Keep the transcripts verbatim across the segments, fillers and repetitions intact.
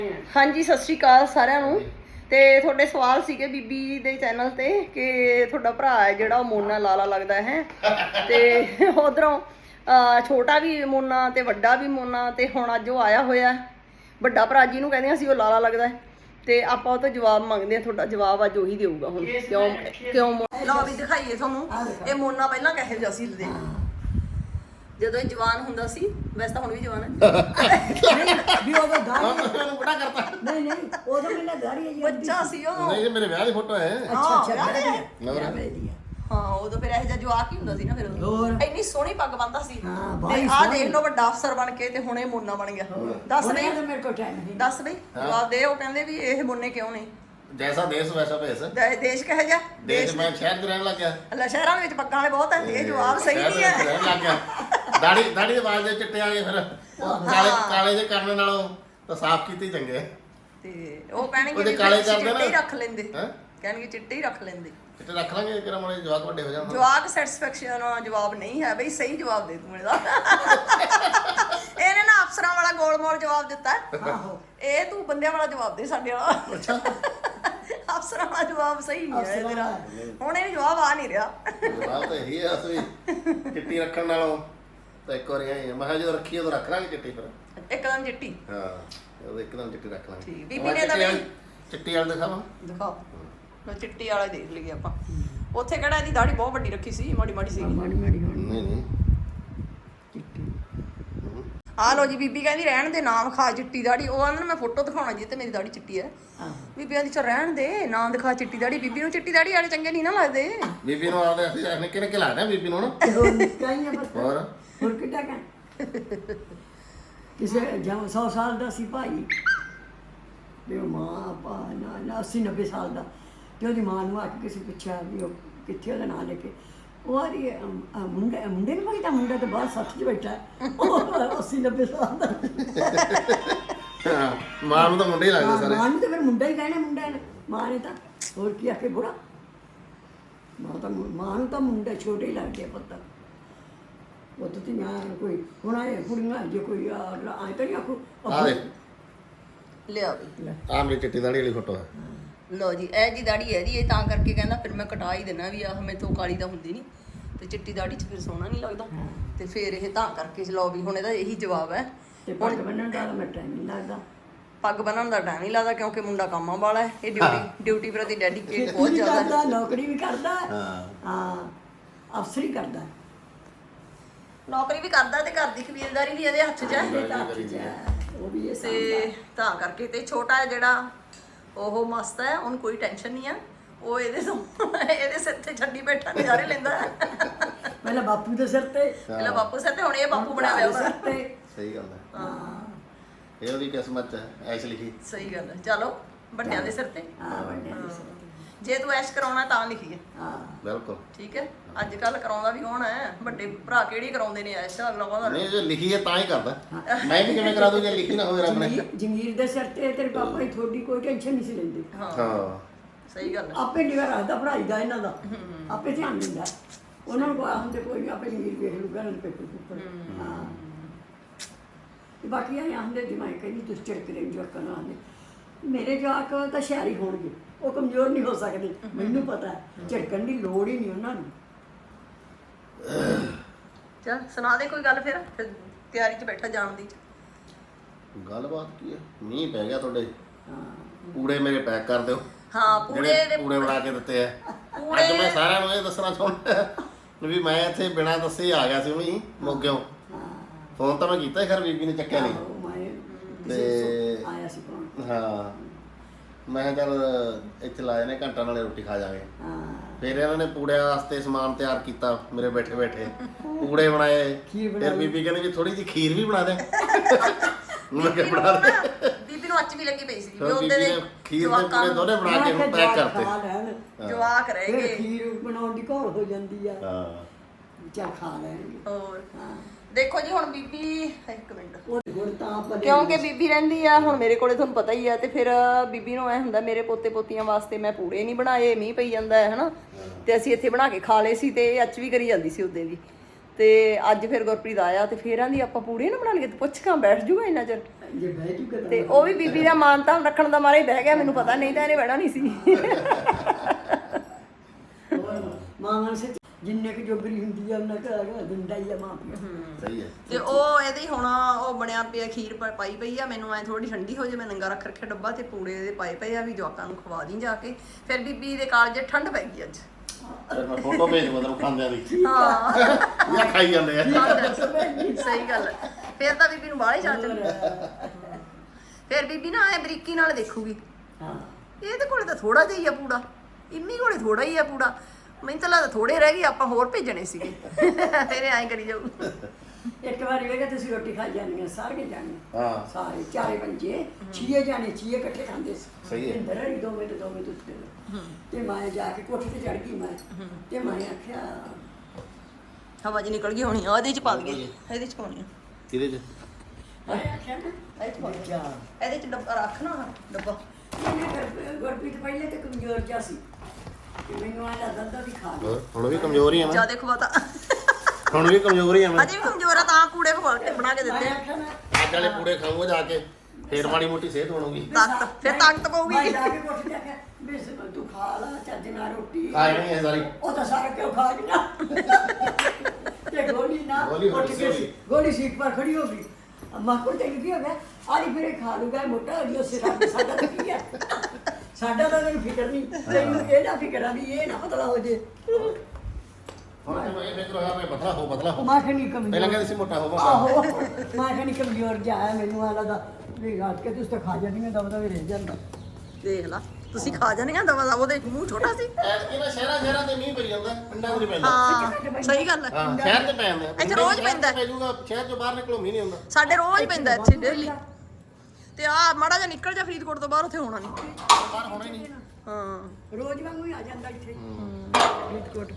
ਹਾਂਜੀ ਸਤਿ ਸ਼੍ਰੀ ਅਕਾਲ ਸਾਰਿਆਂ ਨੂੰ। ਤੇ ਤੁਹਾਡੇ ਸਵਾਲ ਸੀਗੇ ਬੀਬੀ ਦੇ ਚੈਨਲ ਤੇ ਕਿ ਤੁਹਾਡਾ ਭਰਾ ਹੈ ਜਿਹੜਾ ਉਹ ਮੋਨਾ ਲਾਲਾ ਲੱਗਦਾ ਹੈ ਤੇ ਉਧਰੋਂ ਛੋਟਾ ਵੀ ਮੋਨਾ ਤੇ ਵੱਡਾ ਵੀ ਮੋਨਾ ਤੇ ਹੁਣ ਅੱਜ ਉਹ ਆਇਆ ਹੋਇਆ ਵੱਡਾ ਭਰਾ ਜੀ ਨੂੰ ਕਹਿੰਦੇ ਅਸੀਂ ਉਹ ਲਾਲਾ ਲੱਗਦਾ ਹੈ ਤੇ ਆਪਾਂ ਉਹ ਤੋਂ ਜਵਾਬ ਮੰਗਦੇ ਆ। ਤੁਹਾਡਾ ਜਵਾਬ ਅੱਜ ਉਹੀ ਦੇਊਗਾ ਹੁਣ ਕਿਉਂ ਕਿਉਂ ਲਓ ਵੀ ਦਿਖਾਈਏ ਤੁਹਾਨੂੰ। ਇਹ ਮੋਨਾ ਪਹਿਲਾਂ ਕਹੇ ਜਿਹਾ ਸੀ ਦੇ ਜਦੋਂ ਇਹ ਜਵਾਨ ਹੁੰਦਾ ਸੀ, ਵੈਸੇ ਤਾਂ ਹੁਣ ਵੀ ਜਵਾਨ ਹੈ ਵੀ ਉਹਦਾ ਦਾੜੀ ਮੈਨੂੰ ਬੜਾ ਕਰਤਾ ਨਹੀਂ ਨਹੀਂ ਉਦੋਂ ਮੈਨੂੰ ਦਾੜੀ ਹੈ ਜੀ ਬੱਚਾ ਸੀ ਉਹ। ਨਹੀਂ ਇਹ ਮੇਰੇ ਵਿਆਹ ਦੀ ਫੋਟੋ ਹੈ। ਅੱਛਾ ਅੱਛਾ ਹਾਂ, ਵਿਆਹ ਦੇ ਦੀ ਹਾਂ ਉਦੋਂ ਫਿਰ ਇਹੋ ਜਿਹਾ ਜਵਾਕ ਹੀ ਹੁੰਦਾ ਸੀ ਨਾ। ਫਿਰ ਹੋਰ। ਇੰਨੀ ਸੋਹਣੀ ਪੱਗ ਬੰਨਦਾ ਸੀ ਹਾਂ, ਤੇ ਬਾਹਲੀ ਆਹ ਸੋਹਣੀ। ਦੇਖ ਲਓ ਵੱਡਾ ਅਫਸਰ ਬਣ ਕੇ ਤੇ ਹੁਣ ਇਹ ਮੋਨਾ ਬਣ ਗਿਆ। ਦੱਸ ਹੁਣ ਬਈ ਇਹ ਤਾਂ ਮੇਰੇ ਕੋਲ ਟਾਈਮ ਨਹੀਂ ਦੱਸ ਬਈ ਜਵਾਬ ਦੇ। ਉਹ ਕਹਿੰਦੇ ਵੀ ਇਹ ਮੋਨੇ ਕਿਉਂ ਨਹੀਂ? ਜੈਸਾ ਦੇਸ਼ ਵੈਸਾ ਭੇਸ। ਦੇ- ਦੇਸ਼ ਕਹੇ ਜਾ ਦੇਸ਼ ਮੈਂ ਸ਼ਹਿਰ ਚ ਰਹਿਣ ਲੱਗ ਗਿਆ। ਅੱਲਾ ਸ਼ਹਿਰਾਂ ਦੇ ਵਿੱਚ ਪੱਗਾਂ ਵਾਲੇ ਬਹੁਤ ਹੈ। ਇਹ ਜਵਾਬ ਸਹੀ ਸ਼ਹਿਰ ਨਹੀਂ ਦੇ ਵਿੱਚ ਹੈ। ਰਹਿਣ ਲੱਗ ਗਿਆ। ਦਾੜੀ ਦਾੜੀ ਦੇ ਵਾਲ ਜੇ ਚਿੱਟੇ ਆ ਗਏ ਫਿਰ ਉਹ ਕਾਲੇ ਕਾਲੇ ਜੇ ਕਰਨ ਨਾਲੋਂ ਤਾਂ ਸਾਫ਼ ਕੀਤੇ ਹੀ ਚੰਗੇ। ਤੇ ਉਹ ਕਹਿਣਗੇ ਉਹਦੇ ਵੀ ਕਾਲੇ ਫਿਰ ਕਰਦੇ ਚਿੱਟੇ ਹੀ ਨਾ। ਰੱਖ ਲੈਂਦੇ। ਹੈਂ? ਕਹਿਣਗੇ ਚਿੱਟੇ ਹੀ ਰੱਖ ਲੈਂਦੇ। ਚਿੱਟੇ ਰੱਖ ਲਾਂਗੇ ਕਿਹੜਾ ਮੋੜੇ ਜਵਾਕ ਵੱਡੇ ਹੋ ਜਾਣ। ਜਵਾਕ ਸੈਟੀਸਫੈਕਸ਼ਨ ਜਵਾਬ ਨਹੀਂ ਹੈ ਬਈ। ਸਹੀ ਜਵਾਬ ਦੇ ਤੂੰ ਇਹਦਾ। ਇਹਨੇ ਨਾ ਅਫਸਰਾਂ ਵਾਲਾ ਗੋਲ ਮੋਲ ਜਵਾਬ ਦਿੱਤਾ ਹੈ। ਆਹੋ ਇਹ ਤੂੰ ਬੰਦਿਆਂ ਵਾਲਾ ਜਵਾਬ ਦੇ ਸਾਡੇ ਵਾਲਾ। ਅਫਸਰਾਂ ਵਾਲਾ ਜਵਾਬ ਸਹੀ ਨਹੀਂ ਹੈ ਤੇਰਾ। ਹੁਣ ਇਹ ਜਵਾਬ ਆ ਨਹੀਂ ਰਿਹਾ। ਜਵਾਬ ਤਾਂ ਇਹੀ ਹੈ ਅਸਲੀ ਚਿੱਟੀ ਰੱਖਣ ਨਾਲੋਂ ਤਾਂ ਇੱਕ ਵਾਰੀ ਆਈ ਮੈਂ ਕਿਹਾ ਜਦੋਂ ਰੱਖੀ ਉਦੋਂ ਰੱਖ ਲਾਂਗੇ ਚਿੱਟੀ ਫਿਰ। ਇੱਕਦਮ ਚਿੱਟੀ ਹਾਂ ਉਦੋਂ ਇੱਕਦਮ ਚਿੱਟੀ ਰੱਖ ਲਾਂਗੇ। ਠੀਕ। ਬੀਬੀ ਨੇ ਤਾਂ ਵੀ ਚਿੱਟੀ ਵਾਲ ਦਿਖਾਵਾਂ ਦਿਖਾਓ ਲੋ ਚਿੱਟੀ ਵਾਲਾ ਦੇਖ ਲਈਏ ਆਪਾਂ। ਉੱਥੇ ਕਿਹੜਾ ਇਹਦੀ ਦਾੜੀ ਬਹੁਤ ਵੱਡੀ ਰੱਖੀ ਸੀ, ਮਾੜੀ ਮਾੜੀ ਸੀ। ਮਾੜੀ ਮਾੜੀ ਹੋਣੀ ਨਹੀਂ ਨਹੀਂ ਚਿੱਟੀ ਆ ਲੋ ਜੀ ਬੀਬੀ ਕਹਿੰਦੀ ਰਹਿਣ ਦੇ ਨਾਮ ਖਾ ਚਿੱਟੀ ਦਾੜੀ। ਉਹ ਆਂਦਾ ਮੈਂ ਫੋਟੋ ਦਿਖਾਉਣਾ ਜੀ ਤੇ ਮੇਰੀ ਦਾੜੀ ਚਿੱਟੀ ਹੈ। ਆਹੋ ਬੀਬੀ ਆਂਦੀ ਚਲ ਰਹਿਣ ਦੇ ਨਾ ਦਿਖਾ ਚਿੱਟੀ ਦਾੜੀ। ਬੀਬੀ ਨੂੰ ਚਿੱਟੀ ਦਾੜੀ ਵਾਲੇ ਚੰਗੇ ਨਹੀਂ ਨਾ ਲੱਗਦੇ। ਬੀਬੀ ਨੂੰ ਆਦੇ ਅਸੀਂ ਆਖਨੇ ਕਿਹਨੇ ਕਿ ਲੱਗਦਾ ਬੀਬੀ ਨੂੰ ਨਾ। ਤੇ ਹੋਰ ਨਿੱਕਾ ਹੀ ਆ ਬਸ ਹੋਰ ਹੋਰ ਕਿੱਡਾ ਕਾ ਕਿਸੇ ਜਾਂ ਸੌ ਸਾਲ ਦਾ ਸੀ ਭਾਈ ਵੀ ਉਹ ਮਾਂ ਪਾ ਨਾ ਨਾ ਅੱਸੀ ਨੱਬੇ ਸਾਲ ਦਾ ਤੇ ਉਹਦੀ ਮਾਂ ਨੂੰ ਆ ਕੇ ਕਿਸੇ ਪੁੱਛਿਆ ਵੀ ਉਹ ਕਿੱਥੇ ਉਹਦਾ ਨਾਂ ਲੈ ਕੇ ਉਹ ਆ ਰਹੀ ਮੁੰਡੇ ਮੁੰਡੇ ਨੂੰ ਪਤਾ ਮੁੰਡਾ ਤਾਂ ਬਾਹਰ ਸੱਥ 'ਚ ਬੈਠਾ ਹੈ। ਉਹ ਅੱਸੀ ਨੱਬੇ ਸਾਲ ਦਾ ਹਾਂ, ਮਾਂ ਨੂੰ ਤਾਂ ਮੁੰਡੇ ਹੀ ਲੱਗਦੇ ਸਾਰੇ। ਮਾਂ ਨੂੰ ਤਾਂ ਫਿਰ ਮੁੰਡਾ ਹੀ ਕਹਿਣਾ ਮੁੰਡਾ ਨੇ ਮਾਂ ਨੇ ਤਾਂ ਹੋਰ ਕੀ ਆਖੇ ਬੁੜਾ ਮਾਂ ਤਾਂ ਮਾਂ ਨੂੰ ਤਾਂ ਮੁੰਡਾ ਛੋਟੇ ਹੀ ਲੱਗਦੇ ਪੁੱਤ ਉਹ ਤਾਂ ਮੈਂ ਕੋਈ ਹੁਣ ਆਏ ਕੁੜੀਆਂ ਜੇ ਕੋਈ ਆਏ ਤਾਂ ਨਹੀਂ ਆਖੂ ਆ ਦੇ ਲਿਆ ਬਈ ਆ ਮੇਰੀ ਚਿੱਟੀ ਦਾੜੀ ਵਾਲੀ ਫੋਟੋ ਹੈ। ਲੋ ਜੀ ਇਹ ਜੀ ਦਾੜੀ ਹੈ ਜੀ। ਇਹ ਤਾਂ ਕਰਕੇ ਕਹਿੰਦਾ ਫਿਰ ਮੈਂ ਕਟਾ ਹੀ ਦੇਣਾ ਵੀ ਆਹ ਮੈਥੋਂ ਕਾਲੀ ਤਾਂ ਹੁੰਦੀ ਨਹੀਂ ਤੇ ਚਿੱਟੀ ਦਾੜੀ 'ਚ ਫਿਰ ਸੋਹਣਾ ਨਹੀਂ ਲੱਗਦਾ। ਤੇ ਫਿਰ ਇਹ ਤਾਂ ਕਰਕੇ ਲਓ ਵੀ ਹੁਣ ਇਹਦਾ ਇਹੀ ਜਵਾਬ ਹੈ। ਤੇ ਪੱਗ ਬੰਨਣ ਦਾ ਮੈਂ ਟਾਈਮ ਨਹੀਂ ਲੱਗਦਾ ਪੱਗ ਬੰਨਣ ਦਾ ਟਾਈਮ ਨਹੀਂ ਲੱਗਦਾ ਕਿਉਂਕਿ ਮੁੰਡਾ ਕੰਮਾਂ ਵਾਲਾ ਹੈ। ਇਹ ਡਿਊਟੀ ਡਿਊਟੀ ਪ੍ਰਤੀ ਡੈਡੀਕੇਟ ਬਹੁਤ ਜ਼ਿਆਦਾ ਹੈ। ਕਰਦਾ ਨੌਕਰੀ ਵੀ ਕਰਦਾ ਹਾਂ ਹਾਂ ਅਫਸਰ ਹੀ ਕਰਦਾ ਨੌਕਰੀ ਵੀ ਕਰਦਾ ਤੇ ਘਰ ਦੀ ਕਬੀਲਦਾਰੀ ਵੀ ਇਹਦੇ ਹੱਥ 'ਚ ਹੈ। ਉਹ ਵੀ ਇਹ ਤੇ ਤਾਂ ਕਰਕੇ ਤੇ ਛੋਟਾ ਹੈ ਜਿਹੜਾ ਉਹ ਮਸਤ ਹੈ, ਉਹਨੂੰ ਕੋਈ ਟੈਨਸ਼ਨ ਨਹੀਂ ਆ। ਉਹ ਇਹਦੇ ਤੋਂ ਇਹਦੇ ਸਿਰ ਤੇ ਛੱਡੀ ਬੈਠਾ ਨਜ਼ਾਰੇ ਲੈਂਦਾ ਹੈ। ਪਹਿਲਾਂ ਬਾਪੂ ਦੇ ਸਿਰ ਤੇ ਪਹਿਲਾਂ ਬਾਪੂ ਸਿਰ ਤੇ ਹੁਣ ਇਹ ਬਾਪੂ ਬਣਿਆ ਹੋਇਆ ਸਿਰ ਉਹਦਾ। ਤੇ ਸਹੀ ਗੱਲ ਹੈ। ਹਾਂ ਇਹ ਉਹਦੀ ਕਿਸਮਤ ਹੈ ਐਸ਼ ਲਿਖੀ। ਸਹੀ ਗੱਲ ਹੈ। ਚਲੋ ਵੱਡਿਆਂ ਦੇ ਸਿਰ ਤੇ ਹਾਂ ਵੱਡਿਆਂ ਦੇ ਸਿਰ ਤੇ ਜੇ ਤੂੰ ਐਸ਼ ਕਰਾਉਣਾ ਤਾਂ ਲਿਖੀਏ। ਹਾਂ ਬਿਲਕੁਲ ਠੀਕ ਹੈ। ਅੱਜ ਕੱਲ ਕਰਾਉਂਦਾ ਵੀ ਕੌਣ ਹੈ? ਵੱਡੇ ਭਰਾ ਕਿਹੜੀ ਕਰਾਉਂਦੇ ਨੇ ਐਸ਼? ਅਗਲਾ ਕਹਿੰਦਾ ਨਹੀਂ ਜੇ ਲਿਖੀ ਹੈ ਤਾਂ ਹੀ ਕਰਦਾ। ਮੈਂ ਵੀ ਕਿਵੇਂ ਕਰਾ ਦੂੰ ਜੇ ਲਿਖੀ ਨਾ ਹੋਵੇ ਰੱਬ ਨੇ। ਜੰਗੀਰ- ਜੰਗੀਰ ਦੇ ਸਿਰ ਤੇ ਤੇਰੇ ਪਾਪਾ ਹੀ ਥੋੜੀ ਕੋਈ ਟੈਨਸ਼ਨ ਨਹੀਂ ਸੀ ਲੈਂਦੇ ਹਾਂ ਹਾਂ ਸਹੀ ਗੱਲ ਹੈ। ਆਪੇ ਨਿਗਾ ਰੱਖਦਾ ਪੜ੍ਹਾਈ ਦਾ ਇਹਨਾਂ ਦਾ ਆਪੇ ਧਿਆਨ ਦਿੰਦਾ ਉਹਨਾਂ ਨੂੰ ਕੋਈ ਹੁੰਦੇ ਕੋਈ ਆਪੇ ਜੰਗੀਰ ਵੇਖ ਲੂਗਾ ਨਾ ਪੇਪਰ ਪੂਪਰ ਹਾਂ ਤੇ ਬਾਕੀ ਇਹ ਆਂਦੇ ਦਿਮਾਗ ਕਹਿੰਦੀ ਤੁਸੀਂ ਚਿੜਕਦੇ ਜੋ ਕਰਨਾ ਆਂਦੇ ਮੇਰੇ ਜਵਾਕ ਤਾਂ ਸ਼ਹਿਰੀ ਹੋਣਗੇ ਉਹ ਕਮਜ਼ੋਰ ਨਹੀਂ ਹੋ ਸਕਦੇ ਮੈਨੂੰ ਪਤਾ ਹੈ ਝਿੜਕਣ ਦੀ ਲੋੜ ਹੀ ਨਹੀਂ ਉਹਨਾਂ ਨੂੰ ਚਲ ਸੁਣਾ ਦੇ ਕੋਈ ਗੱਲ ਫਿਰ ਫਿਰ ਤਿਆਰੀ 'ਚ ਬੈਠਾ ਜਾਣ ਦੀ। ਗੱਲਬਾਤ ਕੀ ਹੈ? ਮੀਂਹ ਪੈ ਗਿਆ ਤੁਹਾਡੇ। ਹਾਂ ਪੂੜੇ ਮੇਰੇ ਪੈਕ ਕਰ ਦਿਓ ਹਾਂ ਪੂੜੇ ਜਿਹੜੇ ਦੇ ਪੂੜੇ ਬਣਾ ਕੇ ਦਿੱਤੇ ਆ। ਪੂੜੇ- ਅੱਜ ਮੈਂ ਸਾਰਿਆਂ ਨੂੰ ਇਹ ਦੱਸਣਾ ਚਾਹੁੰਦਾ ਵੀ ਮੈਂ ਇੱਥੇ ਬਿਨਾਂ ਦੱਸੇ ਹੀ ਆ ਗਿਆ ਸੀ ਉਹੀ ਮੋਗਿਓ। ਹਾਂ ਫੋਨ ਤਾਂ ਮੈਂ ਕੀਤਾ ਖਰ ਬੀਬੀ ਨੇ ਚੱਕਿਆ ਨਹੀਂ। ਉਹ ਮੈਂ ਤੇ ਕਿਸੇ ਆਇਆ ਸੀ ਕੋਣ ਹਾਂ ਮੈਂ ਕਿਹਾ ਚੱਲ ਇੱਥੇ ਲਾ ਜਾਣੇ ਘੰਟਾ ਨਾਲੇ ਰੋਟੀ ਖਾ ਜਾਵਾਂਗੇ। ਹਾਂ ਫਿਰ ਇਹਨਾਂ ਨੇ ਪੂੜਿਆਂ ਵਾਸਤੇ ਸਮਾਨ ਤਿਆਰ ਕੀਤਾ ਮੇਰੇ ਬੈਠੇ ਬੈਠੇ ਪੂੜੇ ਬਣਾਏ। ਖੀਰ ਫਿਰ ਬੀਬੀ ਕਹਿੰਦੀ ਵੀ ਥੋੜੀ ਜਿਹੀ ਖੀਰ ਵੀ ਬਣਾ ਦੇ। ਮੈਂ ਕਿਹਾ ਬਣਾ ਦੇ। ਬੀਬੀ ਨੂੰ ਅੱਚ ਵੀ ਲੱਗੀ ਪਈ ਸੀ ਵੀ ਫਿਰ ਉਹਦੇ ਬੀਬੀ ਦੇ ਨੇ ਖੀਰ ਦੇ ਪੂੜੇ ਦੋਨੇ ਬਣਾ ਕੇ ਹੁਣ ਪੈਕ ਕਰਤੇ। ਖਾ ਲੈਣ ਜਵਾਕ ਫਿਰ ਰਹਿ ਖੀਰ ਬਣਾਉਣ ਦੀ ਘੋਲ ਹੋ ਜਾਂਦੀ ਆ ਹਾਂ ਚੱਲ ਖਾ ਲੈਣਗੇ ਹੋਰ ਹਾਂ ਦੇਖੋ ਜੀ ਹੁਣ ਬੀਬੀ ਇੱਕ ਮਿੰਟ ਉਹ ਹੁਣ ਤਾਂ ਆਪਾਂ ਕਿਉਂਕਿ ਬੀਬੀ ਰਹਿੰਦੀ ਆ ਹੁਣ ਮੇਰੇ ਕੋਲੇ ਤੁਹਾਨੂੰ ਪਤਾ ਹੀ ਆ ਤੇ ਫਿਰ ਬੀਬੀ ਨੂੰ ਐ ਹੁੰਦਾ ਮੇਰੇ ਪੋਤੇ ਪੋਤੀਆਂ ਵਾਸਤੇ ਮੈਂ ਪੂੜੇ ਨਹੀਂ ਬਣਾਏ ਮੀਂਹ ਪਈ ਜਾਂਦਾ ਹੈ ਹਨਾ ਤੇ ਅਸੀਂ ਇੱਥੇ ਬਣਾ ਕੇ ਖਾ ਲਏ ਸੀ ਤੇ ਇਹ ਅੱਜ ਵੀ ਕਰੀ ਜਾਂਦੀ ਸੀ ਉਹਦੇ ਵੀ ਤੇ ਅੱਜ ਫਿਰ ਗੁਰਪ੍ਰੀਤ ਆਇਆ ਤੇ ਫੇਰ ਆਂਦੀ ਆਪਾਂ ਪੂੜੇ ਨਾ ਬਣਾ ਲਈਏ ਤੇ ਪੁੱਛ ਕਾਂ ਬੈਠ ਜੂਗਾ ਇੰਨਾ ਚਿਰ ਜੇ ਬਹਿ ਚੁੱਕੇ ਤੇ ਉਹ ਵੀ ਬੀਬੀ ਦਾ ਮਾਨ ਤਾਂ ਰੱਖਣ ਦਾ ਮਾਰਾ ਹੀ ਬਹਿ ਗਿਆ, ਮੈਨੂੰ ਪਤਾ ਨਹੀਂ ਤਾਂ ਇਹਨੇ ਬਹਿਣਾ ਨਹੀਂ ਸੀ। ਮਾਂ ਸੇ ਜਿੰਨੇ ਕੁ ਜੋਗਰੀ ਹੁੰਦੀ ਆ ਉਹਨਾਂ ਘਰ ਦਿੰਦਾ ਹੀ ਆ ਮਾਂ ਪਿਓ। ਸਹੀ ਹੈ। ਤੇ ਉਹ ਇਹਦੇ ਹੁਣ ਉਹ ਬਣਿਆ ਪਿਆ ਖੀਰ ਪ- ਪਾਈ ਪਈ ਆ, ਮੈਨੂੰ ਐ ਥੋੜੀ ਠੰਡੀ ਹੋ ਜੇ ਮੈਂ ਨੰਗਾ ਰੱਖ ਰੱਖਿਆ ਡੱਬਾ ਤੇ ਪੂੜੇ ਇਹਦੇ ਪਾਏ ਪਏ ਆ ਵੀ ਜਵਾਕਾਂ ਨੂੰ ਖਵਾ ਦੀ ਜਾ ਕੇ। ਫਿਰ ਬੀਬੀ ਦੇ ਕਾਲਜੇ ਠੰਡ ਪੈ ਗਈ ਅੱਜ। ਫਿਰ ਮੈਂ ਫੋਟੋ ਭੇਜ ਮਤਲਬ ਖਾਂਦਿਆਂ ਦੀ ਹਾਂ ਜਾਂ ਖਾਈ ਜਾਂਦੇ ਆ। ਸਹੀ ਗੱਲ ਹੈ। ਫਿਰ ਤਾਂ ਬੀਬੀ ਨੂੰ ਬਾਹਲੇ ਚਾਹ ਚੜ੍ਹ ਫਿਰ ਬੀਬੀ ਨਾ ਐ ਬਰੀਕੀ ਨਾਲ ਦੇਖੂਗੀ, ਹਾਂ ਇਹਦੇ ਕੋਲੇ ਤਾਂ ਥੋੜਾ ਜਿਹਾ ਹੀ ਆ ਪੂੜਾ, ਇੰਮੀ ਕੋਲੇ ਥੋੜਾ ਹੀ ਆ ਪੂੜਾ, ਮੈਨੂੰ ਤਾਂ ਲੱਗਦਾ ਥੋੜੇ ਰਹਿ ਗਏ, ਆਪਾਂ ਹੋਰ ਭੇਜਣੇ ਸੀਗੇ। ਫਿਰ ਐਂ ਕਰੀ ਜਾਊ। ਇੱਕ ਵਾਰੀ ਵੇਗਾ ਤੁਸੀਂ ਰੋਟੀ ਖਾ ਜਾਂਦੀਆਂ ਸਾਰੇ ਜਾਣੇ, ਹਾਂ ਸਾਰੇ ਚਾਰੇ ਪੰਜੇ ਛੀਏ ਜਾਣੇ ਛੀਏ ਇਕੱਠੇ ਖਾਂਦੇ ਸੀ। ਸਹੀ ਹੈ। ਇੰਦਰ ਹੀ ਦੋਵੇਂ ਤੇ ਦੋਵੇਂ ਉੱਤੇ ਤੇ ਮੈਂ ਜਾ ਕੇ ਕੋਠੇ ਤੇ ਚੜ ਗਈ ਮੈਂ ਤੇ ਮੈਂ ਆਖਿਆ ਹਵਾ ਜੀ ਨਿਕਲ ਗਈ ਹੋਣੀ ਆ, ਇਹਦੇ ਚ ਪਾ ਦਈਏ, ਇਹਦੇ ਚ ਪਾਉਣੀ ਆ, ਕਿਹਦੇ ਚ ਮੈਂ ਆਖਿਆ ਨਾ ਇਹਦੇ ਚ ਪਾ ਦਈਏ। ਜਾ ਇਹਦੇ ਚ ਡੱਬਾ ਰੱਖ ਨਾ ਡੱਬਾ। ਇਹਨੇ ਗੁਰਪ੍ਰੀਤ ਪਹਿਲੇ ਤੇ ਕਮਜ਼ੋਰ ਜਿਹਾ ਸੀ ਤੇ ਮੈਨੂੰ ਆ ਲੱਗਦਾ ਵੀ ਖਾ ਹੋਰ ਹੁਣ ਵੀ ਕਮਜ਼ੋਰ ਹੀ ਆ ਮੈਂ, ਜਿਆਦਾ ਖਵਾਤਾ, ਹੁਣ ਵੀ ਕਮਜ਼ੋਰ ਹੀ ਆ ਮੈਂ। ਅਜੇ ਵੀ ਕਮਜ਼ੋਰ ਆ ਤਾਂ ਪੂੜੇ ਪਕਾ ਕੇ ਬਣਾ ਕੇ ਦਿੱਤੇ ਮੈਂ ਆ। ਆਖਿਆ ਨਾ ਅੱਜ ਵਾਲੇ ਪੂੜੇ ਖਾਊਂਗਾ ਜਾ ਕੇ, ਫੇਰ ਮਾੜੀ ਮੋਟੀ ਸਿਹਤ ਬਣੂਗੀ। ਤਾਕਤ ਫਿਰ ਤਾਕਤ ਪਊਗੀ। ਮੈਂ ਜਾ ਕੇ ਕੋਠੇ ਤੇ ਆਖਿਆ ਬੇਸ ਤੂੰ ਖਾ ਲਾ ਚੱਜ ਨਾਲ ਰੋਟੀ। ਖਾ ਜਾਣੀ ਹੈ ਸਾਰੀ। ਉਹ ਤਾਂ ਸਾਰਾ ਕਿਉਂ ਖਾ ਗਿਆ ਤੇ ਗੋਲੀ ਨਾ ਗੋਲੀ ਹੋ ਉੱਠ ਗਈ ਕੇ ਸੀ। ਗੋਲੀ ਸੀਟ ਪਰ ਖੜੀ ਹੋ ਗਈ। ਅੰਮਾ ਕੋਲ ਤੇ ਕੀ ਹੋ ਗਿਆ ਆਲੀ ਫਿਰ ਇਹ ਖਾ ਲੂਗਾ ਮੋਟਾ ਹੋ ਗਿਆ ਸਿਰਾ ਸਾਡਾ ਤਾਂ ਕੀ ਹੈ ਸਾਡਾ ਤਾਂ ਤੈਨੂੰ ਫਿਕਰ ਨਹੀਂ ਤੈਨੂੰ ਇਹਦਾ ਫਿਕਰ ਆ ਵੀ ਇਹ ਨਾ ਪਤਲਾ ਹੋ ਜੇ ਹੁਣ ਤੇ ਮੈਂ ਇਹ ਫਿਕਰ ਹੋਇਆ ਮੈਂ ਪਤਲਾ ਹੋ ਪਤਲਾ ਹੋ। ਮਾਂ ਖਣੀ ਕਮਜ਼ੋਰ ਪਹਿਲਾਂ ਕਹਿੰਦੇ ਸੀ ਮੋਟਾ ਹੋ ਮੋਟਾ। ਆਹੋ ਮਾਂ ਖਣੀ ਕਮਜ਼ੋਰ ਜਾ ਹੈ ਮੈਨੂੰ ਆ ਲੱਗਦਾ ਵੀ ਰਾਤ ਕੇ ਤੁਸੀਂ ਤਾਂ ਖਾ ਜਾਂਦੀਆਂ ਦਬਦਾ ਵੀ ਰਹਿ ਜਾਂਦਾ। ਦੇਖ ਲਾ ਤੁਸੀਂ ਖਾ ਜਾਣੀਆਂ ਦਵਾ ਦਾ, ਉਹਦੇ ਮੂੰਹ ਛੋਟਾ ਸੀ। ਐਤਕੀ ਨਾ ਸ਼ਹਿਰਾਂ ਸ਼ਹਿਰਾਂ ਤੇ ਮੀਂਹ ਪਈ ਜਾਂਦਾ, ਪਿੰਡਾਂ 'ਚ ਨਹੀਂ ਪੈਂਦਾ। ਹਾਂ ਸਹੀ ਗੱਲ ਹੈ। ਹਾਂ ਸ਼ਹਿਰ 'ਚ ਪੈ ਜਾਂਦਾ। ਇੱਥੇ ਰੋਜ਼ ਪੈਂਦਾ। ਪੈ ਜਾਊਗਾ, ਸ਼ਹਿਰ 'ਚੋਂ ਬਾਹਰ ਨਿਕਲੋ ਮੀਂਹ ਨਹੀਂ ਹੁੰਦਾ। ਸਾਡੇ ਰੋਜ਼ ਪੈਂਦਾ ਇੱਥੇ ਡੇਲੀ। ਤੇ ਆ ਮਾੜਾ ਜਿਹਾ ਨਿਕਲ ਜਾ ਫਰੀਦਕੋਟ ਤੋਂ ਬਾਹਰ, ਉੱਥੇ ਹੋਣਾ ਨਹੀਂ। ਬਾਹਰ ਹੋਣਾ ਹੀ ਨਹੀਂ। ਹਾਂ ਰੋਜ਼ ਵਾਂਗੂ ਹੀ ਆ ਜਾਂਦਾ ਇੱਥੇ ਫਰੀਦਕੋਟ।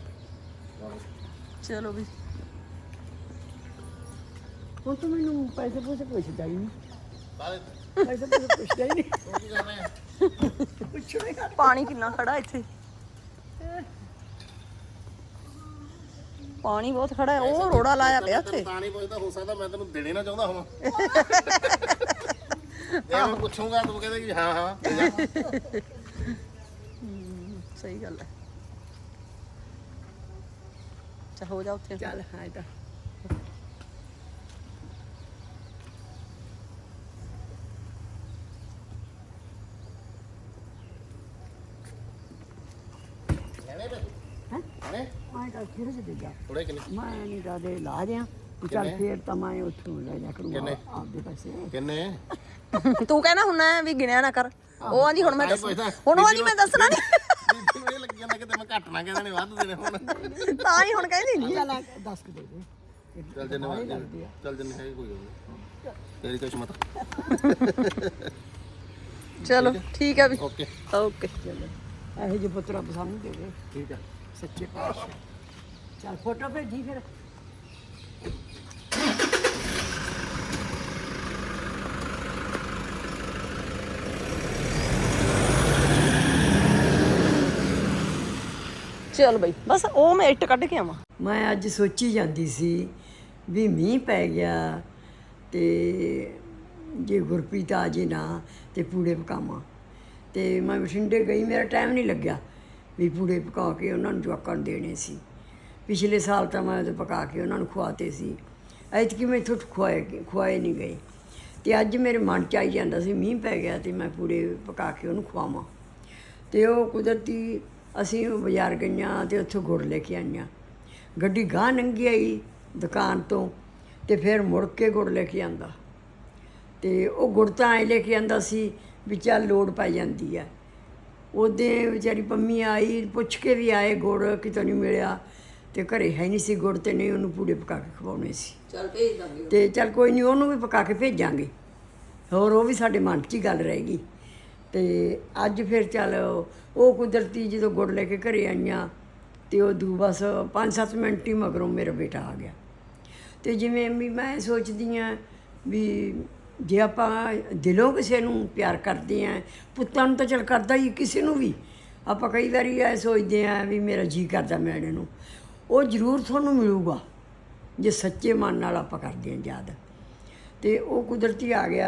ਚਲੋ ਵੀ ਹੁਣ ਤੂੰ ਮੈਨੂੰ ਪੈਸੇ ਪੂਸੇ ਪੁੱਛਦਾ ਹੀ ਨਹੀਂ ਬਾਹਰ ਪੈਸੇ ਪੂਸੇ ਪੁੱਛਦਾ ਹੀ ਨਹੀਂ ਉਹ ਕੀ ਕਰਨਾ ਹੈ? ਪੁੱਛਣਾ ਹੀ ਘੱਟ। ਪਾਣੀ ਕਿੰਨਾ ਖੜਾ ਇੱਥੇ, ਪਾਣੀ ਬਹੁਤ ਖੜਾ ਹੈ। ਉਹ ਰੋੜਾ ਲਾਇਆ ਪਿਆ ਇੱਥੇ। ਤਾਂ ਨਹੀਂ ਪੁੱਛਦਾ, ਹੋ ਸਕਦਾ ਮੈਂ ਤੈਨੂੰ ਦੇਣੇ ਨਾ ਚਾਹੁੰਦਾ ਹਾਂ। ਜੇ ਮੈਂ ਪੁੱਛੂੰਗਾ ਤੂੰ ਕਹਿੰਦੇ ਕਿ ਹਾਂ ਹਾਂ ਦੇ ਜਾ। ਸਹੀ ਗੱਲ ਹੈ। ਚਾ ਹੋ ਜਾ ਉੱਥੇ। ਚੱਲ ਹਾਂ ਇਹ ਤਾਂ ਲੈਣੇ ਪੈ ਹੈਂ? ਲੈਣੇ ਮੈਂ ਤਾਂ ਫਿਰ ਜੇ ਦੇ ਜਾ ਥੋੜੇ ਕਿੰਨੇ ਮੈਂ ਨਹੀਂ ਕਹਦੇ ਲਾ ਦਿਆਂ ਚੱਲ ਕਿੰਨੇ? ਫੇਰ ਤਾਂ ਮੈਂ ਉੱਥੋਂ ਲੈ ਜਾ ਕਰੂੰਗਾ ਕਿੰਨੇ? ਆਪਦੇ ਪੈਸੇ। ਕਿੰਨੇ ਤੂੰ ਕਹਿਣਾ ਹੁੰਨਾ ਵੀ ਗਿਣਿਆ ਨਾ ਕਰ। ਉਹ ਆਂਦੀ ਹੁਣ ਮੈਂ ਤਾਂ ਹੀ ਦੱਸ ਪੁੱਛਦਾ। ਹੁਣ ਉਹ ਆਂਦੀ ਮੈਂ ਦੱਸਣਾ ਨਹੀਂ। ਬੀਬੀ ਨੂੰ ਇਹ ਲੱਗੀ ਜਾਂਦਾ ਕਿਤੇ ਮੈਂ ਘੱਟ ਨਾ ਕਹਿੰਦੇ ਨੇ ਵੱਧ ਦੇਣੇ ਹੁਣ। ਤਾਂ ਹੀ ਹੁਣ ਕਹਿੰਦੀ ਨਹੀਂ। ਚੱਲ ਆ ਦੱਸ ਕੇ ਦੇ ਦੇ ਚੱਲ ਜਿੰਨੇ ਬਾਹਲੀ ਵੱਧ ਲੱਗਦੀ ਆ। ਚੱਲ ਜਿੰਨੇ ਹੈਗੇ ਕੋਈ ਗੱਲ ਨਹੀਂ। ਤੇਰੀ ਕਿਸਮਤ। ਚਲੋ ਠੀਕ ਹੈ ਵੀ। ਓਕੇ ਓਕੇ ਚਲੋ ਇਹੋ ਜਿਹੇ ਪੁੱਤਰਾ ਪਸੰਦ ਦੇ ਦੇ ਠੀਕ ਆ। ਸੱਚੇ ਪਾਤਸ਼ਾਹ। ਚੱਲ ਫੋਟੋ ਭੇਜੀ ਫਿਰ। ਚਲ ਬਈ ਬਸ ਉਹ ਮੈਂ ਇੱਟ ਕੱਢ ਕੇ ਆਵਾਂ। ਮੈਂ ਅੱਜ ਸੋਚੀ ਜਾਂਦੀ ਸੀ ਵੀ ਮੀਂਹ ਪੈ ਗਿਆ ਤੇ ਜੇ ਗੁਰਪ੍ਰੀਤ ਆ ਜੇ ਨਾ ਤੇ ਪੂੜੇ ਪਕਾਵਾਂ। ਤੇ ਮੈਂ ਬਠਿੰਡੇ ਗਈ, ਮੇਰਾ ਟਾਈਮ ਨਹੀਂ ਲੱਗਿਆ ਵੀ ਪੂੜੇ ਪਕਾ ਕੇ ਉਹਨਾਂ ਨੂੰ ਜਵਾਕਾਂ ਨੂੰ ਦੇਣੇ ਸੀ। ਪਿਛਲੇ ਸਾਲ ਤਾਂ ਮੈਂ ਉਹਦੇ ਪਕਾ ਕੇ ਉਹਨਾਂ ਨੂੰ ਖਵਾਤੇ ਸੀ, ਐਤਕੀ ਮੈਂ ਇੱਥੋਂ ਖਵਾਏ ਖਵਾਏ ਨਹੀਂ ਗਏ। ਤੇ ਅੱਜ ਮੇਰੇ ਮਨ 'ਚ ਆਈ ਜਾਂਦਾ ਸੀ ਮੀਂਹ ਪੈ ਗਿਆ ਤੇ ਮੈਂ ਪੂੜੇ ਪਕਾ ਕੇ ਉਹਨੂੰ ਖਵਾਵਾਂ। ਤੇ ਉਹ ਕੁਦਰਤੀ ਅਸੀਂ ਬਾਜ਼ਾਰ ਗਈਆਂ ਤੇ ਉੱਥੋਂ ਗੁੜ ਲੈ ਕੇ ਆਈਆਂ। ਗੱਡੀ ਗਾਂਹ ਲੰਘੀ ਆਈ ਦੁਕਾਨ ਤੋਂ ਤੇ ਫਿਰ ਮੁੜ ਕੇ ਗੁੜ ਲੈ ਕੇ ਆਂਦਾ। ਤੇ ਉਹ ਗੁੜ ਤਾਂ ਐਂ ਲੈ ਕੇ ਆਂਦਾ ਸੀ ਵੀ ਚੱਲ ਲੋੜ ਪੈ ਜਾਂਦੀ ਆ। ਉਹਦੇ ਵਿਚਾਰੀ ਪੰਮੀ ਆਈ, ਪੁੱਛ ਕੇ ਵੀ ਆਏ ਗੁੜ ਕਿਤੋਂ ਨਹੀਂ ਮਿਲਿਆ ਤੇ ਘਰੇ ਹੈ ਨਹੀਂ ਸੀ ਗੁੜ, ਤੇ ਨਹੀਂ ਉਹਨੂੰ ਪੂੜੇ ਪਕਾ ਕੇ ਖਵਾਉਣੇ ਸੀ। ਚਲ ਭੇਜ ਦਾਂਗੇ। ਤੇ ਚੱਲ ਕੋਈ ਨਹੀਂ, ਉਹਨੂੰ ਵੀ ਪਕਾ ਕੇ ਭੇਜਾਂਗੇ। ਹੋਰ ਉਹ ਵੀ ਸਾਡੇ ਮਨ 'ਚ ਹੀ ਗੱਲ ਰਹੇਗੀ। ਤੇ ਅੱਜ ਫਿਰ ਚੱਲ ਉਹ ਕੁਦਰਤੀ ਜਦੋਂ ਗੁੜ ਲੈ ਕੇ ਘਰੇ ਆਈਆਂ ਤੇ ਉਹ ਦੂ ਬਸ ਪੰਜ ਸੱਤ ਮਿੰਟ ਹੀ ਮਗਰੋਂ ਮੇਰਾ ਬੇਟਾ ਆ ਗਿਆ। ਤੇ ਜਿਵੇਂ ਵੀ ਮੈਂ ਸੋਚਦੀ ਹਾਂ ਵੀ ਜੇ ਆਪਾਂ ਦਿਲੋਂ ਕਿਸੇ ਨੂੰ ਪਿਆਰ ਕਰਦੇ ਹਾਂ, ਪੁੱਤਾਂ ਨੂੰ ਤਾਂ ਚੱਲ ਕਰਦਾ ਹੀ ਕਿਸੇ ਨੂੰ ਵੀ, ਆਪਾਂ ਕਈ ਵਾਰੀ ਇਹ ਸੋਚਦੇ ਹਾਂ ਵੀ ਮੇਰਾ ਜੀਅ ਕਰਦਾ ਮਿਲਣ ਨੂੰ, ਉਹ ਜ਼ਰੂਰ ਤੁਹਾਨੂੰ ਮਿਲੂਗਾ ਜੇ ਸੱਚੇ ਮਨ ਨਾਲ ਆਪਾਂ ਕਰਦੇ ਹਾਂ ਯਾਦ। ਤੇ ਉਹ ਕੁਦਰਤੀ ਆ ਗਿਆ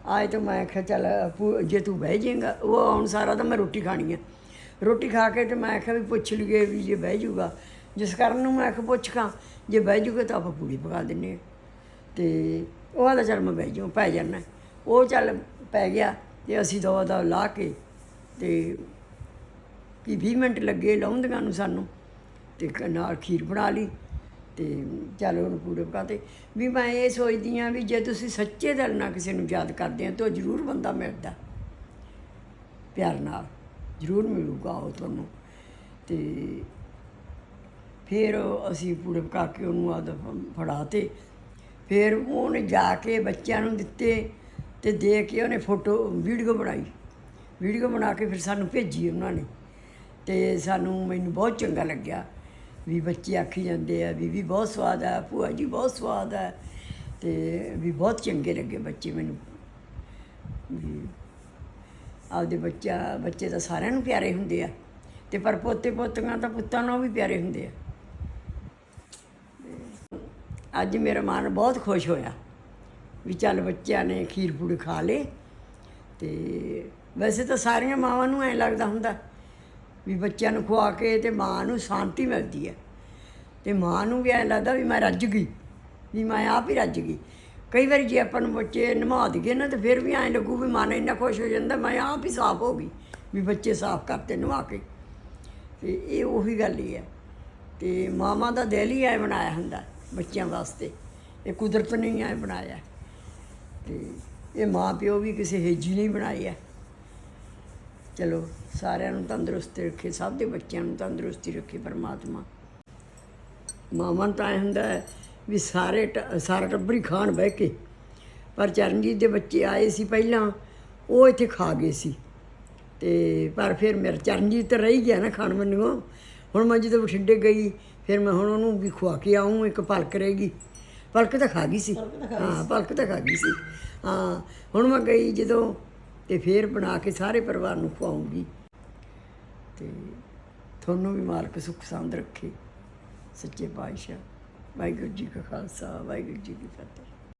ਆਏ ਤਾਂ ਮੈਂ ਆਖਿਆ ਚੱਲ ਭੂ- ਜੇ ਤੂੰ ਬਹਿ ਜਾਏਗਾ, ਉਹ ਆਉਣ ਸਾਰਾ ਤਾਂ ਮੈਂ ਰੋਟੀ ਖਾਣੀ ਹੈ। ਰੋਟੀ ਖਾ ਕੇ ਤੇ ਮੈਂ ਆਖਿਆ ਵੀ ਪੁੱਛ ਲਈਏ ਵੀ ਜੇ ਬਹਿ ਜਾਊਗਾ, ਜਿਸ ਕਾਰਨ ਨੂੰ ਮੈਂ ਆਖਿਆ ਪੁੱਛ ਖਾਂ, ਜੇ ਬਹਿ ਜਾਊਗਾ ਤਾਂ ਆਪਾਂ ਪੂੜੀ ਪਕਾ ਦਿੰਦੇ ਹਾਂ। ਤੇ ਉਹ ਆਲਾ ਚੱਲ ਮੈਂ ਬਹਿ ਜਾਊਂ, ਪੈ ਜਾਣਾ। ਉਹ ਚੱਲ ਪੈ ਗਿਆ ਤੇ ਅਸੀਂ ਦਵਾ ਦਾ ਲਾ ਕੇ ਤੇ ਕਿ ਵੀਹ ਮਿੰਟ ਲੱਗੇ ਲਾਉਂਦੀਆਂ ਨੂੰ ਸਾਨੂੰ, ਤੇ ਕ- ਨਾਲ ਖੀਰ ਬਣਾ ਲਈ ਤੇ ਚੱਲ ਉਹਨੂੰ ਪੂੜੇ ਪਕਾਤੇ। ਵੀ ਮੈਂ ਇਹ ਸੋਚਦੀ ਹਾਂ ਵੀ ਜੇ ਤੁਸੀਂ ਸੱਚੇ ਦਿਲ ਨਾਲ ਕਿਸੇ ਨੂੰ ਯਾਦ ਕਰਦੇ ਆ ਤਾਂ ਜ਼ਰੂਰ ਬੰਦਾ ਮਿਲਦਾ, ਪਿਆਰ ਨਾਲ ਜ਼ਰੂਰ ਮਿਲੂਗਾ ਉਹ ਤੁਹਾਨੂੰ। ਤੇ ਫਿਰ ਅਸੀਂ ਪੂੜੇ ਪਕਾ ਕੇ ਉਹਨੂੰ ਆਦ ਫੜਾ ਤੇ ਫਿਰ ਉਹਨੇ ਜਾ ਕੇ ਬੱਚਿਆਂ ਨੂੰ ਦਿੱਤੇ ਤੇ ਦੇ ਕੇ ਉਹਨੇ ਫੋਟੋ ਵੀਡੀਓ ਬਣਾਈ। ਵੀਡੀਓ ਬਣਾ ਕੇ ਫਿਰ ਸਾਨੂੰ ਭੇਜੀ ਉਹਨਾਂ ਨੇ, ਤੇ ਸਾਨੂੰ ਮੈਨੂੰ ਬਹੁਤ ਚੰਗਾ ਲੱਗਿਆ ਵੀ ਬੱਚੇ ਆਖੀ ਜਾਂਦੇ ਆ ਵੀ ਵੀ ਬਹੁਤ ਸਵਾਦ ਆ, ਭੂਆ ਜੀ ਬਹੁਤ ਸਵਾਦ ਆ, ਤੇ ਵੀ ਬਹੁਤ ਚੰਗੇ ਲੱਗੇ ਬੱਚੇ ਮੈਨੂੰ। ਵੀ ਆਪਦੇ ਬੱਚਾ ਬੱਚੇ ਤਾਂ ਸਾਰਿਆਂ ਨੂੰ ਪਿਆਰੇ ਹੁੰਦੇ ਆ, ਤੇ ਪਰ ਪੋਤੇ ਪੋਤੀਆਂ ਤਾਂ ਪੁੱਤਾਂ ਨਾਲ ਵੀ ਪਿਆਰੇ ਹੁੰਦੇ ਆ। ਅੱਜ ਮੇਰਾ ਮਨ ਬਹੁਤ ਖੁਸ਼ ਹੋਇਆ ਵੀ ਚੱਲ ਬੱਚਿਆਂ ਨੇ ਖੀਰ ਪੂੜੀ ਖਾ ਲਏ। ਤੇ ਵੈਸੇ ਤਾਂ ਸਾਰੀਆਂ ਮਾਵਾਂ ਨੂੰ ਐਂ ਲੱਗਦਾ ਹੁੰਦਾ ਵੀ ਬੱਚਿਆਂ ਨੂੰ ਖਵਾ ਕੇ ਤੇ ਮਾਂ ਨੂੰ ਸ਼ਾਂਤੀ ਮਿਲਦੀ ਹੈ, ਤੇ ਮਾਂ ਨੂੰ ਵੀ ਐਂ ਲੱਗਦਾ ਵੀ ਮੈਂ ਰੱਜ ਗਈ, ਵੀ ਮੈਂ ਆਪ ਹੀ ਰੱਜ ਗਈ। ਕਈ ਵਾਰੀ ਜੇ ਆਪਾਂ ਨੂੰ ਬੱਚੇ ਨਵਾ ਦਈਏ ਨਾ, ਤਾਂ ਫਿਰ ਵੀ ਐਂ ਲੱਗੂ ਵੀ ਮਨ ਇੰਨਾ ਖੁਸ਼ ਹੋ ਜਾਂਦਾ ਮੈਂ ਆਪ ਹੀ ਸਾਫ਼ ਹੋ ਗਈ, ਵੀ ਬੱਚੇ ਸਾਫ਼ ਕਰਤੇ ਨਵਾ ਕੇ। ਤੇ ਇਹ ਉਹੀ ਗੱਲ ਹੀ ਹੈ। ਤੇ ਮਾਵਾਂ ਦਾ ਦਿਲ ਹੀ ਐਂ ਬਣਾਇਆ ਹੁੰਦਾ ਬੱਚਿਆਂ ਵਾਸਤੇ, ਇਹ ਕੁਦਰਤ ਨੇ ਹੀ ਐਂ ਬਣਾਇਆ। ਤੇ ਇਹ ਮਾਂ ਪਿਓ ਵੀ ਕਿਸੇ ਹੇਜੀ ਨਹੀਂ ਬਣਾਏ ਆ। ਚਲੋ ਸਾਰਿਆਂ ਨੂੰ ਤੰਦਰੁਸਤ ਰੱਖੇ, ਸਭ ਦੇ ਬੱਚਿਆਂ ਨੂੰ ਤੰਦਰੁਸਤੀ ਰੱਖੇ ਪਰਮਾਤਮਾ। ਮਾਵਾਂ ਨੂੰ ਤਾਂ ਐਂ ਹੁੰਦਾ ਹੈ ਵੀ ਸਾਰੇ ਟ- ਸਾਰਾ ਟੱਬਰ ਹੀ ਖਾਣ ਬਹਿ ਕੇ, ਪਰ ਚਰਨਜੀਤ ਦੇ ਬੱਚੇ ਆਏ ਸੀ ਪਹਿਲਾਂ, ਉਹ ਇੱਥੇ ਖਾ ਗਏ ਸੀ। ਤੇ ਪਰ ਫਿਰ ਮੇਰਾ ਚਰਨਜੀਤ ਤਾਂ ਰਹਿ ਗਿਆ ਨਾ ਖਾਣ ਮੈਨੂੰ। ਹੁਣ ਮੈਂ ਜਦੋਂ ਬਠਿੰਡੇ ਗਈ ਫਿਰ ਮੈਂ ਹੁਣ ਉਹਨੂੰ ਵੀ ਖਵਾ ਕੇ ਆਊਂ। ਇੱਕ ਪਲਕ ਰਹੇਗੀ, ਪਲਕ ਤਾਂ ਖਾ ਗਈ ਸੀ, ਹਾਂ ਪਲਕ ਤਾਂ ਖਾ ਗਈ ਸੀ, ਹਾਂ। ਹੁਣ ਮੈਂ ਗਈ ਜਦੋਂ ਤੇ ਫਿਰ ਬਣਾ ਕੇ ਸਾਰੇ ਪਰਿਵਾਰ ਨੂੰ ਖਵਾਉਂਗੀ। ਤੇ ਤੁਹਾਨੂੰ ਵੀ ਮਾਲਕ ਸੁੱਖ ਸਾਂਦ ਰੱਖੇ, ਸੱਚੇ ਪਾਤਸ਼ਾਹ। ਵਾਹਿਗੁਰੂ ਜੀ ਕਾ ਖਾਲਸਾ, ਵਾਹਿਗੁਰੂ ਜੀ ਕੀ ਫਤਿਹ।